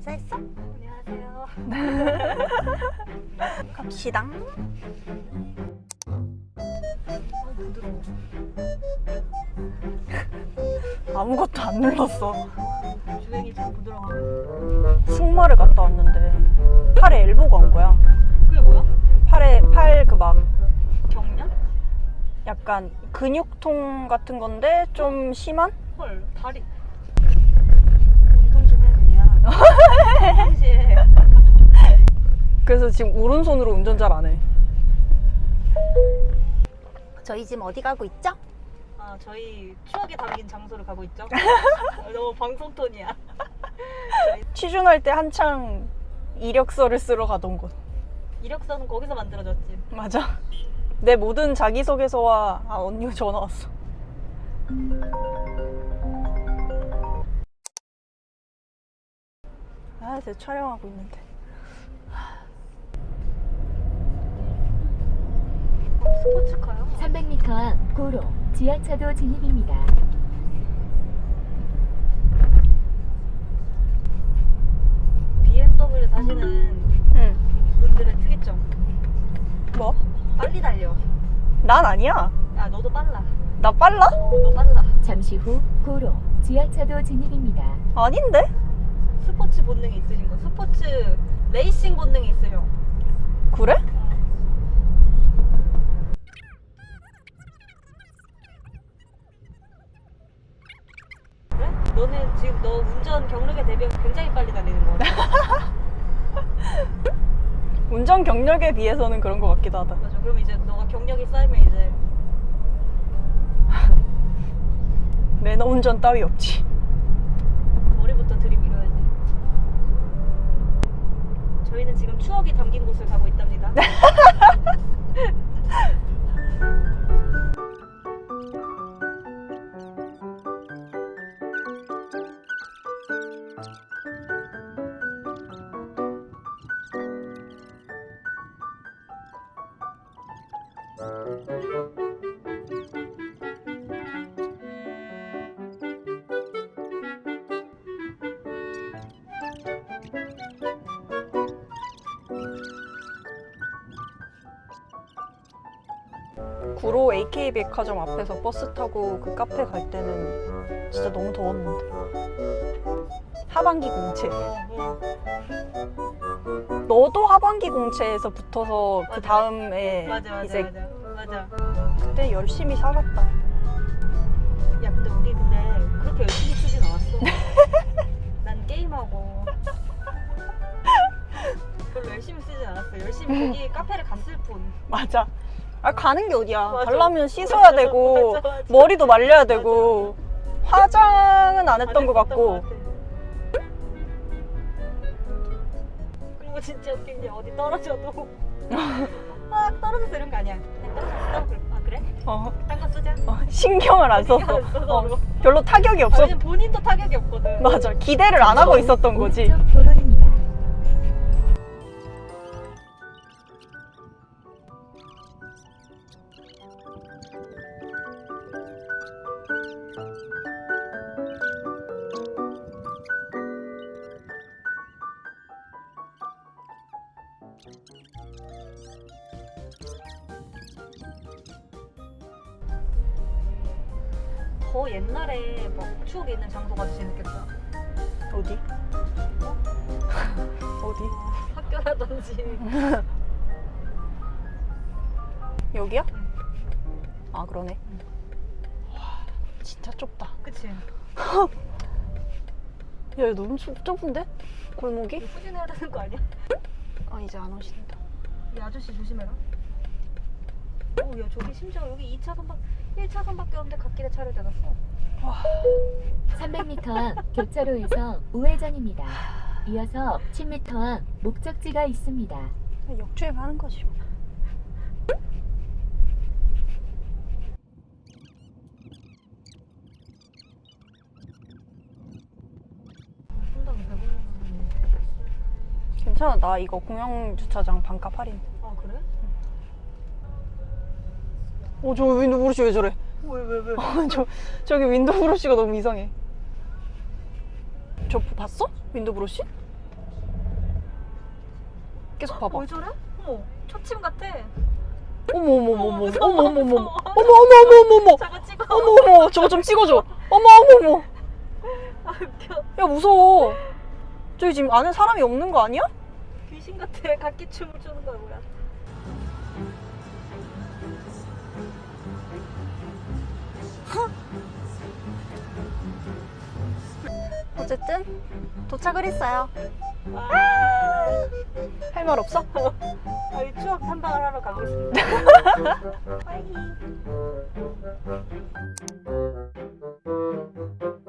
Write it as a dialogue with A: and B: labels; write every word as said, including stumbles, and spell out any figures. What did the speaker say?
A: 인사했어? 안녕하세요. 갑시다. 아, 부드러워. 아무것도 안 눌렀어.
B: 주행이 참 부드러워.
A: 승마를 갔다 왔는데 팔에 엘보가 온 거야.
B: 그게 뭐야?
A: 팔에 팔 그 막
B: 경련?
A: 약간 근육통 같은 건데 좀 심한?
B: 헐, 다리. 운동 좀 해, 그냥. 평시에.
A: 그래서 지금 오른손으로 운전 잘 안 해. 저희 지금 어디 가고 있죠?
B: 아, 저희 추억에 담긴 장소를 가고 있죠? 너무 방송 톤이야.
A: 취준할 때 한창 이력서를 쓰러 가던 곳.
B: 이력서는 거기서 만들어졌지.
A: 맞아. 내 모든 자기소개서와 아 언니가 전화 왔어. 아 이제 촬영하고 있는데.
B: 어, 스포츠카요?
C: 삼백 미터 앞 고로 지하차도 진입입니다.
B: 비엠더블유 타시는
A: 응.
B: 분들의 특이점.
A: 뭐?
B: 빨리 달려.
A: 난 아니야.
B: 야, 너도 빨라.
A: 나 빨라?
B: 너 빨라.
C: 잠시 후 고로 지하차도 진입입니다.
A: 아닌데?
B: 스포츠 본능이 있으신 거. 스포츠 레이싱 본능이 있어요.
A: 그래?
B: 그래? 너는 지금 너 운전 경력에 대비해서 굉장히 빨리 달리는 거 같아.
A: 운전 경력에 비해서는 그런 것 같기도 하다.
B: 맞아. 그럼 이제 너가 경력이 쌓이면 이제
A: 매너 운전 따위 없지.
B: 머리부터 들이밀어야지. 저희는 지금 추억이 담긴 곳을 가고 있답니다.
A: 구로 에이케이 백화점 앞에서 버스 타고 그 카페 갈 때는 진짜 너무 더웠는데. 하반기 공채.
B: 어,
A: 너도 하반기 공채에서 붙어서 그
B: 맞아.
A: 다음에
B: 맞아 맞아
A: 이제
B: 맞아 맞아.
A: 그때 열심히 살았다.
B: 야 근데 우리 근데 그렇게 열심히 쓰진 않았어. 난 게임하고 별로 열심히 쓰진 않았어. 열심히 거기 카페를 갔을 뿐.
A: 맞아. 아 가는 게 어디야.
B: 맞아.
A: 가려면 씻어야 되고
B: 맞아, 맞아.
A: 머리도 말려야 되고 화장은 안 했던 것
B: 했었던
A: 같고.
B: 것 같아. 그리고 진짜 웃긴 게 어디 떨어져도 아 떨어졌어 이런 거 아니야. 그냥 떨어졌어. 그래. 아 그래?
A: 어,
B: 딴 거 쓰자.
A: 어, 신경을 안
B: 신경
A: 썼어.
B: 안 써서
A: 어,
B: 그러고.
A: 별로 타격이
B: 아,
A: 없었.
B: 왜냐면 본인도 타격이 없거든.
A: 맞아. 기대를 안 하고 있었던 거지.
C: 오른쪽 도로입니다.
B: 더 옛날에 막 추억이 있는 장소가 재밌겠다.
A: 어디? 어디?
B: 학교라든지.
A: 여기야?
B: 응.
A: 아 그러네. 와 진짜 좁다.
B: 그치?
A: 야 이거 너무 좁- 좁은데? 골목이?
B: 후진해야 되는 거 아니야?
A: 아 이제 안 오신다.
B: 이 아저씨 조심해라. 어, 야 저기 심지어 여기 이 차선밖 일 차선밖에 없는데 갓길에 차를 대놨어.
C: 삼백 미터 앞 교차로에서 우회전입니다. 이어서 십 미터 앞 목적지가 있습니다.
A: 역주행하는 거지.
B: 분당 배고프네.
A: 괜찮아. 나 이거 공영 주차장 반값 할인.
B: 아 그래?
A: 어, 저 윈도 브러쉬 왜 저래?
B: 왜 왜 왜?
A: 어, 저, 저기 윈도 브러쉬가 너무 이상해. 저 봤어? 윈도 브러쉬? 계속 봐봐.
B: 왜 저래? 어머, 초침 같아.
A: 어머 어머 어머 어머
B: 무서워,
A: 어머 어머 어머
B: 무서워.
A: 어머 어머 어머 어머
B: 저거 찍어.
A: 어머 어머 저거 좀 찍어줘. 어머 어머 어머.
B: 아, 웃겨.
A: 야 무서워. 저기 지금 안에 사람이 없는 거 아니야?
B: 귀신 같아. 각기 춤을 추는 거야, 뭐야.
A: 어쨌든 도착을 했어요.
B: 와.
A: 할 말 없어?
B: 아, 이 추억 탐방을 하러 가고 있습니다. 빠이.